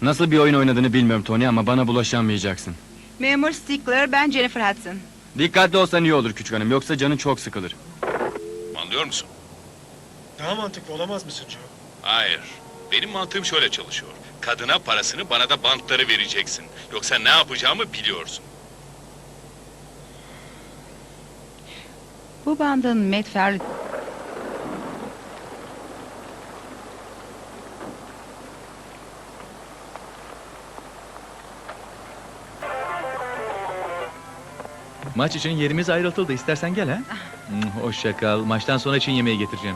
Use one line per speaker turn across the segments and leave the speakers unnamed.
Nasıl bir oyun oynadığını bilmiyorum Tony ama bana bulaşamayacaksın.
Memur Stickler, ben Jennifer Hudson.
Dikkatli olsan iyi olur küçük hanım, yoksa canın çok sıkılır.
Anlıyor musun?
Daha mantıklı olamaz mısın Joe?
Hayır. Benim mantığım şöyle çalışıyor. Kadına parasını, bana da bantları vereceksin. Yoksa ne yapacağımı biliyorsun.
Bu bandın Matt Farley...
Maç için yerimiz ayrıltıldı. İstersen gel ha. Hoşça kal. Maçtan sonra için yemeği getireceğim.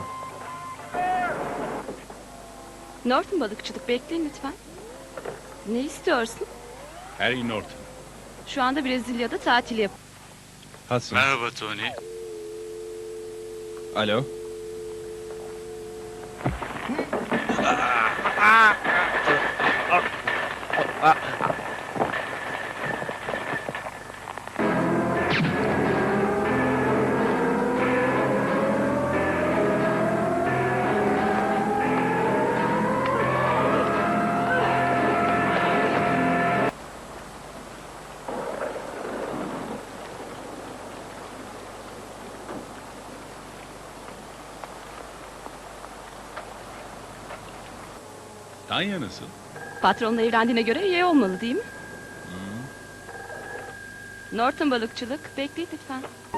Norton balıkçılık, bekleyin lütfen. Ne istiyorsun?
Harry Norton.
Şu anda Brezilya'da tatil yap.
Hudson.
Merhaba Tony.
Alo.
Tanya nasıl?
Patronla evlendiğine göre iyi olmalı değil mi? Norton balıkçılık, bekleyin lütfen.